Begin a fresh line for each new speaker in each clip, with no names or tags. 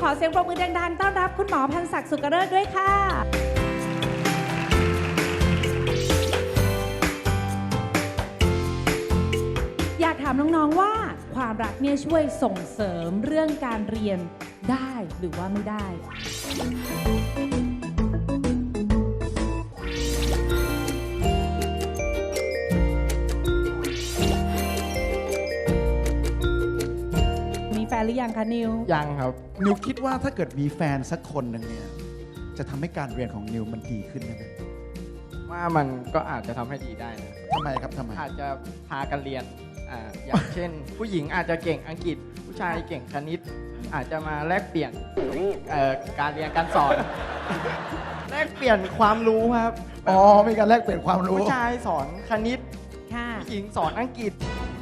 อเสียงปรบมือดังๆต้อนรับคุณหมอพันศักดิ์สุกเริศด้วยค่ะอยากถามน้องๆว่าความรักเนี่ยช่วยส่งเสริมเรื่องการเรียนได้หรือว่าไม่ได้มีแฟนหรือยังคะนิว
ยังครับ
นิวคิดว่าถ้าเกิดมีแฟนสักคนหนึ่งเนี่ยจะทำให้การเรียนของนิวมันดีขึ้นไหม
ว่ามันก็อาจจะทำให้ดีได้นะ
ทำไมครับทำไม
อาจจะพากันเรียนอย่างเช่น ผู้หญิงอาจจะเก่งอังกฤษ ผู้ชายเก่งคณิต อาจจะมาแลกเปลี่ยนการเรียนการสอน แลกเปลี่ยนความรู้ครับ
อ๋อมีการแลกเปลี่ยนความรู้
ผู้ชายสอนคณิต
ค่ะ
ผู้หญิงสอนอังกฤษ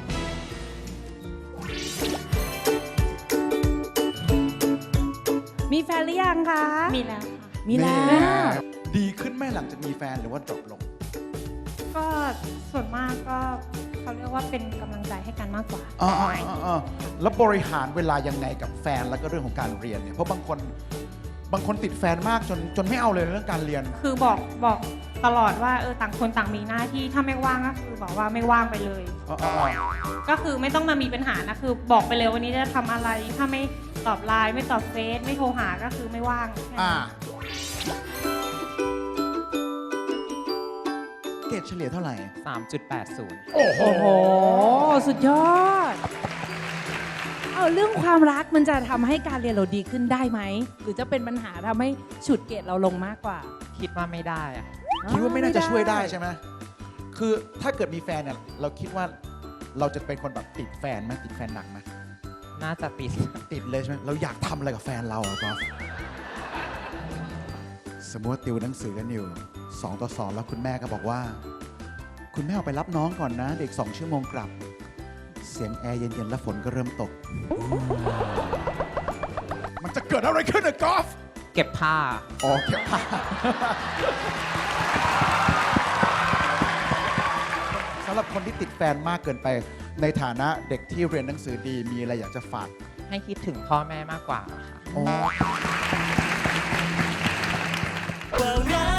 มีแฟนหรือยังคะ
มีแล้วค่ะ
มีแล้ว
ดีขึ้นไหมหลังจากมีแฟนหรือว่าดรอปลง
ก็ส่วนมากก็เขาเรียกว่าเป็นกำลังใจให้กันมากกว่า
อ๋อแล้วบริหารเวลายังไงกับแฟนแล้วก็เรื่องของการเรียนเนี่ยเพราะบางคนติดแฟนมากจนไม่เอาเลยเรื่องการเรียน
คือบอกตลอดว่าต่างคนต่างมีหน้าที่ถ้าไม่ว่างก็คือบอกว่าไม่ว่างไปเลย ก็คือไม่ต้องมามีปัญหานะคือบอกไปเลยวันนี้จะทำอะไรถ้าไม่ตอบไลน์ไม่ตอบเฟซไม่โทรหาก็คือไม่ว่างแค่นั้น
เกรดเฉลี่ยเท่าไหร่
3.80
โอ้โห
โอ้โห สุดยอด เอาเรื่องความรักมันจะทำให้การเรียนเราดีขึ้นได้ไหม หรือจะเป็นปัญหาทำให้ฉุดเกรดเราลงมากกว่า
คิดว่าไม่ได้อะ
คิดว่าไม่น่าจะช่วยได้ใช่ไหมคือถ้าเกิดมีแฟนเนี่ยเราคิดว่าเราจะเป็นคนแบบติดแฟนไหมติดแฟนหนักไหม
น่าจะติด
ติดเลยใช่ไหมเราอยากทำอะไรกับแฟนเราอะกอล์ฟสมมติว่าติวหนังสือกันอยู่2 ต่อ 2แล้วคุณแม่ก็บอกว่า คุณแม่ออกไปรับน้องก่อนนะเด็ก2 ชั่วโมงกลับ เสียงแอร์เย็นๆแล้วฝนก็เริ่มตก มันจะเกิดอะไรขึ้นอะกอล์ฟ
เก็บผ้า
อ๋อเก็บผ้าสำหรับคนที่ติดแฟนมากเกินไปในฐานะเด็กที่เรียนหนังสือดีมีอะไรอยากจะฝาก
ให้คิดถึงพ่อแม่มากกว่าค่ะ
อ๋อ
ว่ารั